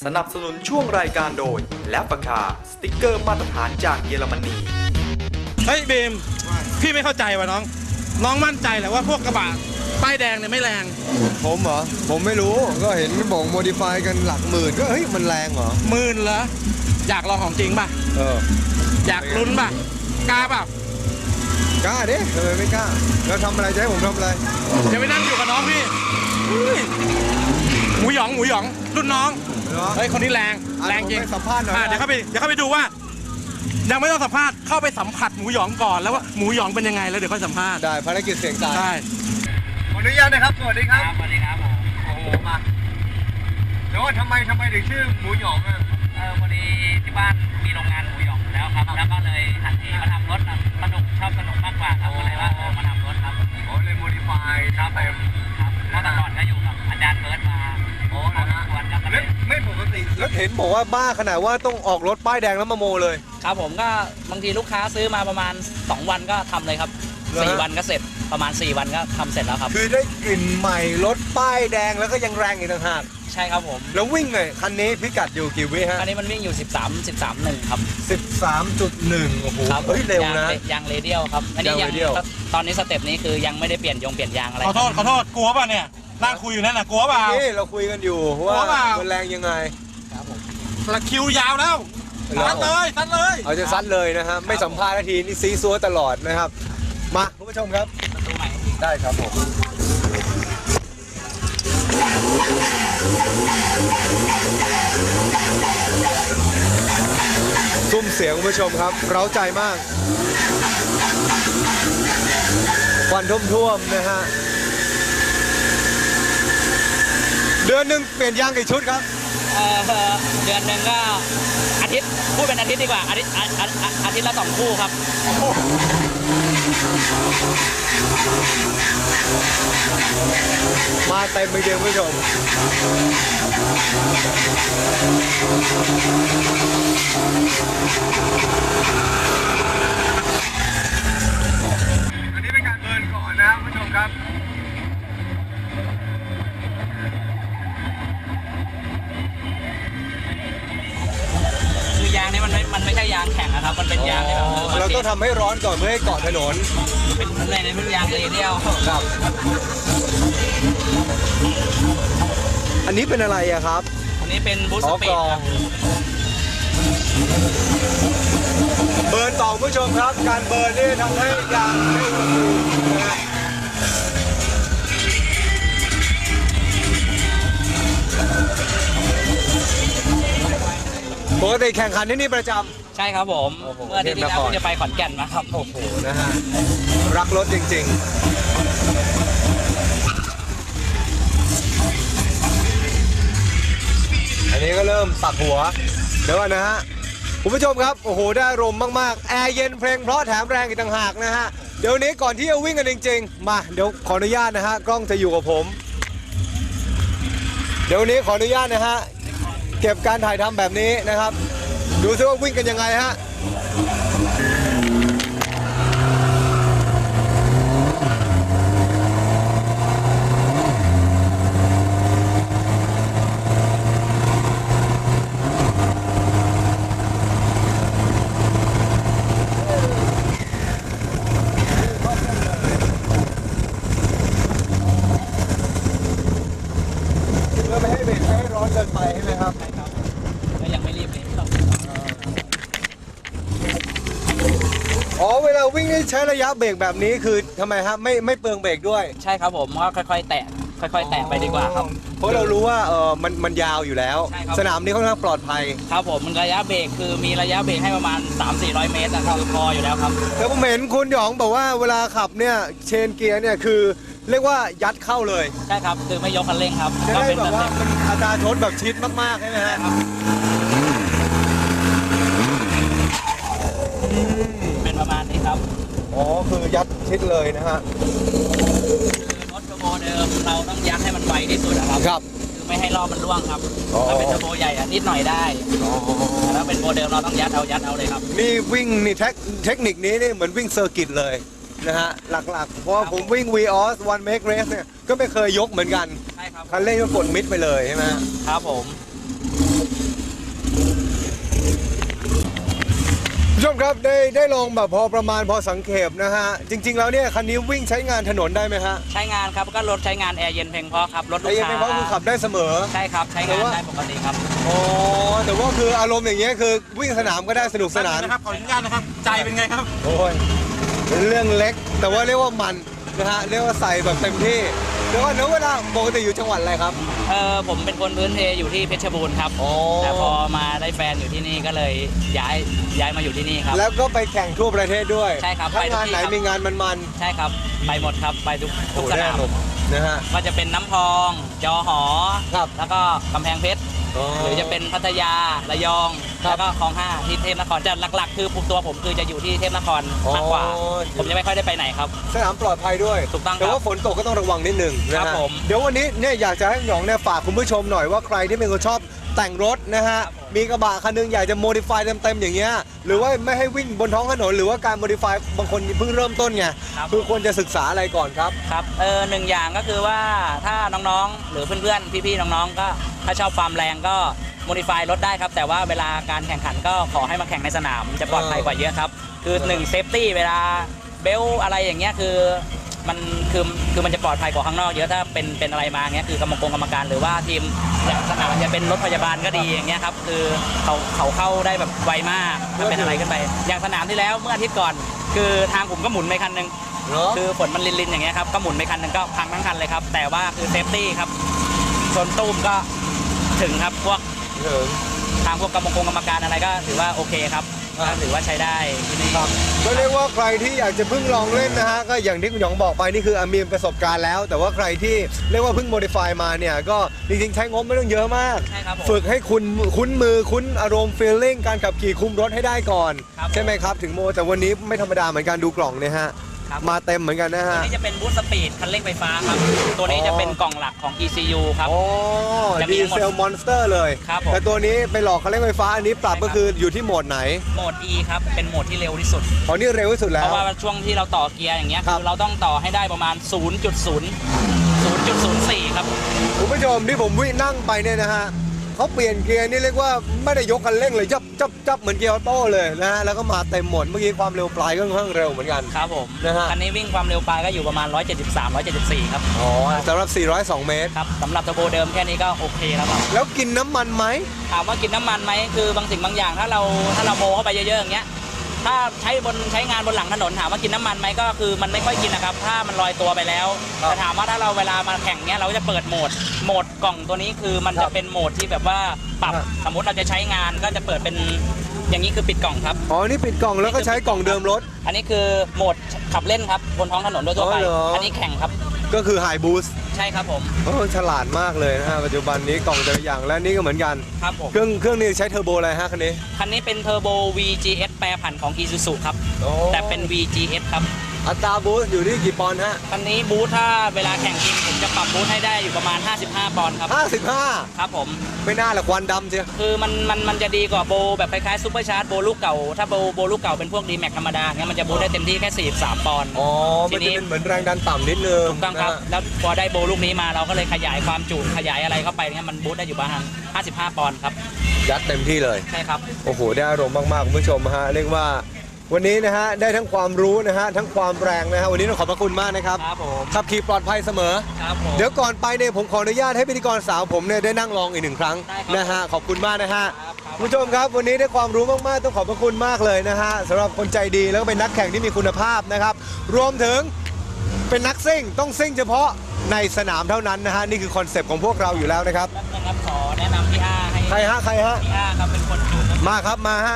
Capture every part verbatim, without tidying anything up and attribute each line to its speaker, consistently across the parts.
Speaker 1: สนับสนุนช่วงรายการโดยแลปคาสติ๊กเกอร์มาตรฐานจากเยอรมนี
Speaker 2: เฮ้ยบีมพี่ไม่เข้าใจว่ะน้องน้องมั่นใจแหละว่าพวกกระบะป้ายแดงเนี่ยไม่แรง
Speaker 3: ผมเหรอผมไม่รู้ก็เห็นบอกโมดิฟายกันหลักหมื่นก็เฮ้ยมันแรงเหรอ
Speaker 2: หมื่นเหรออยากลองของจริงป่ะ
Speaker 3: เออ
Speaker 2: อยากลุ้นป่ะกล้าป่ะ
Speaker 3: กล้าดิทำไมไม่กล้าแล้วทำอะไรจะให้ผมทำอะไร
Speaker 2: จะไปนั่งอยู่กับน้องพี่หมูหยองหมูหยองรุ่นน้องเฮ้ยคนนี้แรงแรงจริง
Speaker 3: สัมภาษณ์หน่อย
Speaker 2: เดี๋ยวเข้าไปเดี๋ยวเข้าไปดูว่ายังไม่ต้องสัมภาษณ์เข้าไปสัมผัสหมูหยองก่อนแล้วว่าหมูหยองเป็นยังไงแล้วเดี๋ยวค่อยสัมภาษณ์
Speaker 3: ได้ภารกิจเสียงตาย
Speaker 2: ได้
Speaker 3: ขออนุญาตนะครับสวัสดีครับ
Speaker 4: สวัสดีครับผม
Speaker 3: โอ้โหมาเดี๋ยวว่าทำไมทำไมถึงชื่อหมูหยองอ่ะ
Speaker 4: เออพอดีที่บ้านมีโรงงานหมูหยองแล้วครับแล้วก็เลยหันทีมาทำรถสนุกชอบสนุกมากกว่าครับก็เลยว่าเออมาทำรถครับ
Speaker 3: อ๋อเลยโมดิฟาย
Speaker 4: ครับเต็มครับเมื่อก่อนก็อยู่กับอาจารย์เบิร์ดมา
Speaker 3: โอ้นะฮะไม่ปกติแล้วเห็นบอกว่าบ้าขนาดว่าต้องออกรถป้ายแดงแล้วมาโมเลย
Speaker 4: ครับผมก็บางทีลูกค้าซื้อมาประมาณสองวันก็ทำเลยครับสี่วันก็เสร็จประมาณสี่วันก็ทำเสร็จแล้วครับ
Speaker 3: คือได้กลิ่นใหม่รถป้ายแดงแล้วก็ยังแรงอีกต่างหาก
Speaker 4: ใช่ครับผม
Speaker 3: แล้ววิ่งไงคันนี้พิกัดอยู่กี่วิฮะ
Speaker 4: คันนี้มันวิ่งอยู่สิบสาม สิบสาม หนึ่งครับ
Speaker 3: สิบสามจุดหนึ่ง โอ้โหเฮ้ยเร็วนะ
Speaker 4: ยางเรเดียลครับอันนี้ยังตอนนี้สเต็ปนี้คือยังไม่ได้เปลี่ยนยงเปลี่ยนยางอะไร
Speaker 2: ขอโทษขอโทษกลัวป่ะเนี่ยนั่งคุยอยู่นั่นน่ะกลัวเปล่า
Speaker 3: นี่เราคุยกันอยู่ว่ามันแรงยังไง
Speaker 2: ครับผมละคิวยาวแล้วซัดเลยซัดเลย
Speaker 3: เอาจะซัดเลยนะฮะไม่สัมภาษณ์นาทีนี่ซีซัวตลอดนะครับมาคุณผู้ชมครับได้ครับผมซุ้มเสียงคุณผู้ชมครับเร้าใจมากควันท่วมๆนะฮะเดือนหนึ่งเปลี่ยนยางกี่ชุดครับ
Speaker 4: เอ่อเดือนหนึ่งก็อาทิตย์พูดเป็นอาทิตย์ดีกว่าอาทิตย์อาทิตย์ละสองคู่ครับ
Speaker 3: มาเต็มไปเดียวคุณผู้ชมอันนี้เป็นการเบิร์นก่อนนะคุณผู้ชมครับ
Speaker 4: ยางนี่มันไม่มันไม่ใช่ยางแข็งนะครับมันเป็นยางที่แบบ
Speaker 3: เราต้องทำให้ร้อนก่อนเพื่อให้เกาะถนน
Speaker 4: เป็นอะไรในเป็นยางเรเดียล
Speaker 3: ครับอันนี้เป็นอะไรอะครับ
Speaker 4: อันนี้เป็นบูสต์สปีดครับ
Speaker 3: เบิร์นต่อผู้ชมครับการเบิร์นนี่ทำให้ยางไม่อุณหภูมินะปกติแข่งขันที่นี่ประจ
Speaker 4: ำใช่ครับผมเมื่อที่แล้วจะไปขอนแก่นมาครับ
Speaker 3: โอ้โหนะฮะรักรถจริงๆอันนี้ก็เริ่มปักหัวเดี๋ยวก่อนนะฮะคุณผู้ชมครับโอ้โหได้อารมณ์มากๆแอร์เย็นเพลงเพราะแถมแรงอีกต่างหากนะฮะเดี๋ยวนี้ก่อนที่จะวิ่งกันจริงๆมาเดี๋ยวขออนุญาตนะฮะกล้องจะอยู่กับผมเดี๋ยวนี้ขออนุญาตนะฮะเก็บการถ่ายทำแบบนี้นะครับดูซิว่าวิ่งกันยังไงฮะเพื่อไม่ให้เบรกไม่ให้ร้อนเกินไปใช่ไหมครับอ๋อเวลาวิ่งนี่ใช้ระยะเบรกแบบนี้คือทำไมครับไม่ไม่เปลืองเบรกด้วย
Speaker 4: ใช่ครับผมก็ค่อยๆแตะค่อยๆแตะไปดีกว่าครับ
Speaker 3: เพราะเรารู้ว่าเออมันมันยาวอยู่แล้วสนามนี้ค่อนข้างปลอดภัย
Speaker 4: ครับผมมันระยะเบรกคือมีระยะเบรกให้ประมาณ สามถึงสี่ร้อย เมตรนะครับพออยู่แล้วครับ
Speaker 3: แต่ผมเห็นคุณหยองบอกว่าเวลาขับเนี่ยเชนเกียร์เนี่ยคือเรียกว่ายัดเข้าเลย
Speaker 4: ใช่ครับคือไม่ยกคันเร่งครับ
Speaker 3: ก็เป็นแบบว่ามันอัตราชนแบบชิดมากๆใช่ไหมฮะ
Speaker 4: เป็นประมาณนี้ครับ
Speaker 3: อ๋อคือยัดชิดเลยนะฮะ
Speaker 4: รถเทอร์โบเดิมเราต้องยัดให้มันไวที่สุดนะครับ
Speaker 3: ครับ
Speaker 4: คือไม่ให้รอบมันร่วงครับถ้าเป็นเทอร์โบใหญ่นิดหน่อยได้ถ้าเป็นโมเดิมเราต้องยัดเอายัดเอาเลยครับ
Speaker 3: นี่วิ่งนี่เทคนิคนี้นี่เหมือนวิ่งเซอร์กิตเลยนะฮะหลักๆเพราะผมวิ่ง วี ออส One Make Race เนี่ยก็ไม่เคยยกเหมือนกัน
Speaker 4: ใช่ครับ
Speaker 3: คันเร่งก็กดมิดไปเลยใช่ไหม
Speaker 4: ครับผม
Speaker 3: ผู้ชมครับได้ได้ลองแบบพอประมาณพอสังเขปนะฮะจริง ๆ แล้วเนี่ยคันนี้วิ่งใช้งานถนนได้ไหมฮะ
Speaker 4: ใช้งานครับก็รถใช้งานแอร์เย็นเพียงพอครับรถลู
Speaker 3: ไอ้
Speaker 4: ก
Speaker 3: ยัง
Speaker 4: ค้า
Speaker 3: ไม่พอคือขับได้เสมอ
Speaker 4: ใช่ครับใช้งานได้ปกติครับ
Speaker 3: อ๋อแต่ว่าคืออารมณ์อย่างเงี้ยคือวิ่งสนามก็ได้สนุกสนาน
Speaker 2: นะครับขออนุญาตนะครับใจเป็นไงครับ
Speaker 3: โอ้ยเป็นเรื่องเล็กแต่ว่าเรียกว่ามันนะฮะเรียกว่าใส่แบบเต็มที่แล้วก็เนื้อเวลาปกติอยู่จังหวัดอะไรครับ
Speaker 4: เออผมเป็นคนพื้นเพอยู่ที่เพชรบูรณ์ครับแต่พอมาได้แฟนอยู่ที่นี่ก็เลยย้ายย้ายมาอยู่ที่นี่ครับ
Speaker 3: แล้วก็ไปแข่งทั่วประเทศด้วย
Speaker 4: ใช่ครับ
Speaker 3: ถ้างานไหนมีงานมัน
Speaker 4: ๆใช่ครับไปหมดครับไปทุกทุกสนาม
Speaker 3: นะฮะ
Speaker 4: ก็จะเป็นน้ำพองจอหอ
Speaker 3: ครับ
Speaker 4: แล้วก็กำแพงเพชรหรือจะเป็นพัทยาระยองแล้วก็คลองห้าที่เทพนครจะหลักๆคือตัวผมคือจะอยู่ที่เทพนครมากกว่าผมจะไม่ค่อยได้ไปไหนครับ
Speaker 3: สนามปลอดภัยด้วย
Speaker 4: ถูกต้อง
Speaker 3: แต่ว่าฝนตกก็ต้องระวังนิดนึงนะฮะเดี๋ยววันนี้เนี่ยอยากจะให้หยองเนี่ยฝากคุณผู้ชมหน่อยว่าใครที่เป็นคนชอบแต่งรถนะฮะมีกระบะคันนึงอยากจะโมดิฟายเต็มๆอย่างเงี้ยหรือว่าไม่ให้วิ่งบนท้องถนนหรือว่าการโมดิฟายบางคนเพิ่งเริ่มต้นไงคือควรจะศึกษาอะไรก่อนครับ
Speaker 4: ครับเออหนึ่งอย่างก็คือว่าถ้าน้องๆหรือเพื่อนๆพี่ๆน้องๆก็ถ้าชอบความแรงก็โมดิฟายรถได้ครับแต่ว่าเวลาการแข่งขันก็ขอให้มาแข่งในสนามจะปลอดภัยกว่าเยอะครับคือหนึ่งเซฟตี้เวลาเบลอะไรอย่างเงี้ยคือมันคือคือมันจะปลอดภัยกว่าข้างนอกเยอะถ้าเป็นเป็นอะไรมาเงี้ยคือกรรมกรกรรมการหรือว่าทีมอย่างสนามจะเป็นรถพยาบาลก็ดีอย่างเงี้ยครับคือเขาเขาเข้าได้แบบไวมากถ้าเป็นอะไรขึ้นไปอย่างสนามที่แล้วเมื่ออาทิตย์ก่อนคือทางผมก็หมุนไปคันนึงคือฝนมันลินๆอย่างเงี้ยครับก็หมุนไปคันนึงก็พังทั้งคันเลยครับแต่ว่าคือเซฟตี้ครับชนตุ้มก็ถึงครับพวกทางพวกกรรมกรกรรมการอะไรก็ถือว่าโอเคครับถือว่าใช้ได้ที่นี่
Speaker 3: ครับก็เรียกว่าใครที่อยากจะเพิ่งลองเล่นนะฮะก็อย่างที่คุณหยองบอกไปนี่คือมีประสบการณ์แล้วแต่ว่าใครที่เรียกว่าเพิ่งโมดิฟายมาเนี่ยก็จริงๆใช้งบไม่ต้องเยอะมากฝึกให้คุณคุ้นมือคุ้นอารมณ์ฟีลลิ่งการขับขี่คุมรถให้ได้ก่อนใช่ไหมครับถึงโมแต่วันนี้ไม่ธรรมดาเหมือนกันดูกล่องเนี่ยฮะมาเต็มเหมือนกันนะฮะ
Speaker 4: ตัวนี้จะเป็นบูสต์สปีดคันเร่งไฟฟ้าครับตัวนี้จะเป็นกล่องหลักของ อี ซี ยู ครับ
Speaker 3: อ๋อดีเซลมอนสเตอร์เลยแต่ตัวนี้ไปหลอกคันเร่งไฟฟ้าอันนี้ปรับก็คืออยู่ที่โหมดไหน
Speaker 4: โหมด E ครับเป็นโหมดที่เร็วที่สุด
Speaker 3: อ๋อนี่เร็วที่สุดแล้ว
Speaker 4: เพราะว่าช่วงที่เราต่อเกียร์อย่างเงี้ยคือเราต้องต่อให้ได้ประมาณ ศูนย์จุดศูนย์ ศูนย์จุดศูนย์สี่ ครับ
Speaker 3: คุณผู้ชมที่ผมวิ่งนั่งไปเนี่ยนะฮะเขาเปลี่ยนเกียร์นี่เรียกว่าไม่ได้ยกคันเร่งเลยจับจับจับเหมือนเกียร์ออโต้เลยนะฮะแล้วก็มาเต็มหมดเมื่อกี้ความเร็วปลายก็ค่อนข้างเร็วเหมือนกัน
Speaker 4: ครับผม
Speaker 3: นะฮะ
Speaker 4: คันนี้วิ่งความเร็วปลายก็อยู่ประมาณหนึ่งร้อยเจ็ดสิบสาม หนึ่งร้อยเจ็ดสิบสี่ครับ
Speaker 3: อ๋อสำหรับสี่ร้อยสองเมตร
Speaker 4: ครับสำหรับเทอร์โบเดิมแค่นี้ก็โอเคแล้วครับ
Speaker 3: แล้วกินน้ำมันไหม
Speaker 4: ถามว่ากินน้ำมันไหมคือบางสิ่งบางอย่างถ้าเราถ้าเราโมเข้าไปเยอะๆอย่างเงี้ยถ้าใช้บนใช้งานบนหลังถนนถามว่ากินน้ำมันไหมก็คือมันไม่ค่อยกินนะครับถ้ามันลอยตัวไปแล้วแต่ถามว่าถ้าเราเวลามาแข่งเนี้ยเราก็จะเปิดโหมดโหมดกล่องตัวนี้คือมันจะเป็นโหมดที่แบบว่าปรับสมมติเราจะใช้งานก็จะเปิดเป็นอย่างนี้คือปิดกล่องครับ
Speaker 3: อ๋อนี่ปิดกล่องแล้วก็ใช้กล่องเดิมรถ
Speaker 4: อันนี้คือโหมดขับเล่นครับบนท้องถนนโดยทั่วไปอันนี้แข่งครับ
Speaker 3: ก็คือไฮบูสต์
Speaker 4: ใช่ครับผม
Speaker 3: โอ้ฉลาดมากเลยนะฮะปัจจุบันนี้กล่องแต่ละอย่างและนี่ก็เหมือนกัน
Speaker 4: ครับผม
Speaker 3: เครื่องเครื่องนี้ใช้เทอร์โบอะไรฮะคันนี้
Speaker 4: คันนี้เป็นเทอร์โบ วี จี เอส แปรผันของ Isuzu ครับแต่เป็น วี จี เอส ครับ
Speaker 3: อัตราบูสต์อยู่ที่กี่ปอนด์ฮะ
Speaker 4: คันนี้บูสต์ถ้าเวลาแข่งจริงผมจะปรับบูสต์ให้ได้อยู่ประมาณห้าสิบห้าปอนด์ครับ
Speaker 3: ห้าสิบห้า
Speaker 4: ครับผม
Speaker 3: ไม่น่าละควันดำเชียว
Speaker 4: คือมันมันมันจะดีกว่าโบแบบคล้ายๆซุปเปอร์ชาร์จโบลูกเก่าถ้าโบโบลูกเก่าเป็นพวกดีแม็กธรรมดาเนี่ยมันจะบูสต์ได้เต็มที่แค่สี่สิบสามปอนด์
Speaker 3: อ๋อมันจะเป็นเหมือนแรงดันต่ำนิดนึง
Speaker 4: ถูกต้องครับแล้วพอได้โบลูกนี้มาเราก็เลยขยายความจุขยายอะไรเข้าไปเนี่ยมันบูสต์ได้อยู่ประมาณห้าสิบห้าปอนด์ครับ
Speaker 3: ยัดเต็มที่เลย
Speaker 4: ใช่ครับ
Speaker 3: โอ้โหได้อารมณ์มากๆคุณผู้ชมฮะเรียกว่าวันนี้นะฮะได้ทั้งความรู้นะฮะทั้งความแรงนะฮะวันนี้ต้องขอบพระคุณมากนะครับ
Speaker 4: ครับผม
Speaker 3: ขับขี่ปลอดภัยเสมอ
Speaker 4: ครับผม
Speaker 3: เดี๋ยวก่อนไปเนี่ยผมขออนุญาตให้พิธีกรสาวผมเนี่ยได้นั่งลองอีกหนึ่งครั้งนะฮะขอบคุณมากนะฮะคุณผู้ชมครับวันนี้ได้ความรู้มากๆต้องขอบพระคุณมากเลยนะฮะสำหรับคนใจดีแล้วก็เป็นนักแข่งที่มีคุณภาพนะครับรวมถึงเป็นนักซิ่งต้องซิ่งเฉพาะในสนามเท่านั้นนะฮะนี่คือคอนเซปต์ของพวกเราอยู่แล้วนะครับ
Speaker 4: นะครับขอแนะนำพี่อาให้
Speaker 3: ใครฮะใครฮะ
Speaker 4: พี่อาครับเป็นคนจูน
Speaker 3: มาครับมาฮะ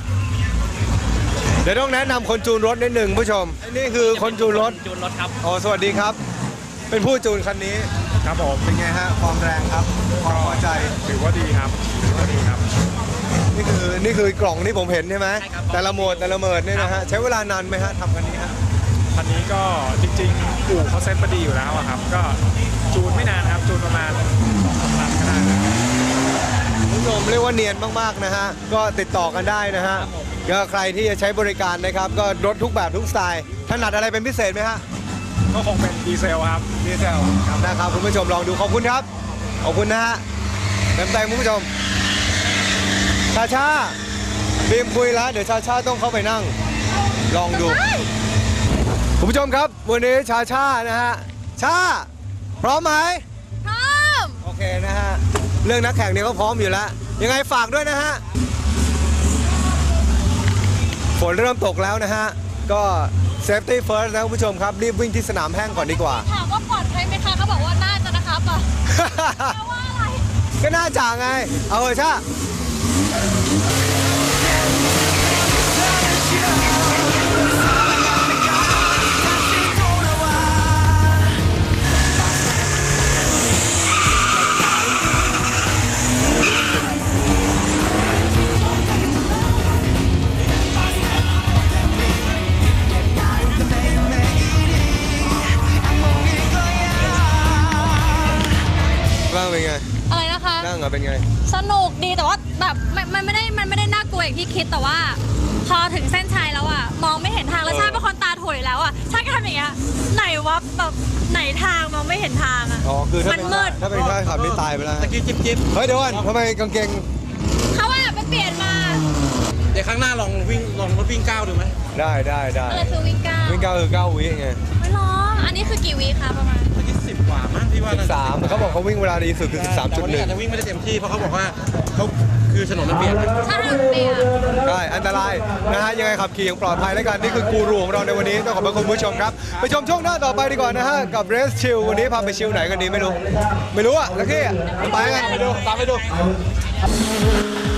Speaker 3: เดี๋ยวต้องแนะนำคนจูนรถนิดหนึ่งผู้ชมนี่คือคนจูนรถ
Speaker 4: จูนรถครับ
Speaker 3: อ๋อสวัสดีครับเป็นผู้จูนคันนี้
Speaker 5: ครับผม
Speaker 3: เป็นไงฮะความแรงครับความพอใจ
Speaker 5: ถือว่าดีครับถือว่าดีครับ
Speaker 3: นี่คือนี่คือกล่องที่ผมเห็นใช่ไหมแต่ละโหมดแต่ละโหมดนี่นะฮะใช้เวลานานไหมฮะทำคันนี้ฮะ
Speaker 5: คันนี้ก็จริงๆอู่เขาเซ็ตมาดีอยู่แล้วครับก็จูนไม่นานครับจูนประมาณสองสามวันก็ได้
Speaker 3: คุณผู้ชมเรียกว่าเนียนมากๆนะฮะก็ติดต่อกันได้นะฮะก็ใครที่จะใช้บริการนะครับก็รถทุกแบบทุกสไตล์ถนัดอะไรเป็นพิเศษไหมฮะ
Speaker 5: ก็คงเป็นดีเซลครับ
Speaker 3: ดีเซลนะครับคุณผู้ชมลองดูขอบคุณครับขอบคุณนะฮะเต็มใจคุณผู้ชมชาชาบีมคุยแล้วเดี๋ยวชาชาต้องเข้าไปนั่ง ลองดูคุณผู้ชมครับวันนี้ชาชานะฮะชาพร้อมไหมพร้อมโอเคนะฮะเรื่องนักแข่งเนี่ยก็พร้อมอยู่แล้วยังไงฝากด้วยนะฮะฝนเริ่มตกแล้วนะฮะก็ safety first นะคุณผู้ชมครับรีบวิ่งที่สนามแห้งก่อนดีกว่า
Speaker 6: ถามว่าปลอดภัยไหมคะเขาบอกว่าน่าจะนะครับอ่ะ แปลว่าอะไร
Speaker 3: ก็น่าจ่าไงเอาเถอะชาบ้างเป็นไง
Speaker 6: อะไรนะคะ
Speaker 3: นั่งอ่ะเป็นไง
Speaker 6: สนุกดีแต่ว่าแบบมันมันไม่ได้มันไม่ได้น่ากลัวอย่างที่คิดแต่ว่า พอถึงเส้นชัยแล้วอ่ะมองไม่เห็นทางแล้วชาติเป็นคนตาโถยแล้วอ่ะชาติก็ทำอย่างเงี้ยไหนวะแบบไหนทางมองไม่เห็นทางอ่ะ
Speaker 3: อ๋อคือถ้าเป็น
Speaker 6: มันมืด
Speaker 3: ถ้าเป็นข้าขับนี่ตายไปแล้ว
Speaker 2: ตะกี้จิ๊บจิ๊บ
Speaker 3: เฮ้ยเดี๋ยวก่อนทำไมกางเกง
Speaker 6: เขาว่าไปเปลี่ยนมา
Speaker 2: เดี๋ยวครั้งหน้าลองวิ่งลองรถวิ่งก้าวดูไหม
Speaker 3: ได้ได้ได้
Speaker 6: อะไรคือวิ่งก้าว
Speaker 3: วิ่งเก้าคือเก้าวิไง
Speaker 6: ไม่ร้องอันนี้คือกี่วิคะประมาณ
Speaker 2: ตะกี้สิบกว่ามั้งที่ว่า
Speaker 3: สิบสามเขาบอกเขาวิ่งเวลาดีสุดคือสิบสามจุดหนึ่ง
Speaker 2: แต่วันนี้อาจจะวิ่งไม่ได้เต็มที่เพราะเขาบอกว่าเขาคือถนนมันเปลี่ยน
Speaker 6: ถ้าทางเปลี่ยน
Speaker 3: ได้อันตรายนะฮะยังไงขับขี่อย่างปลอดภัยแล้วกันนี่คือกูรูของเราในวันนี้ต้องขอบพระคุณผู้ชมครับไปชมช่วงหน้าต่อไปดีกว่านะฮะกับเรสชิลวันนี้พาไปชิลไหนกันดีไม่รู้ ไม่รู้อ่ะแล้วที่ไปกันไปดูตามไปดู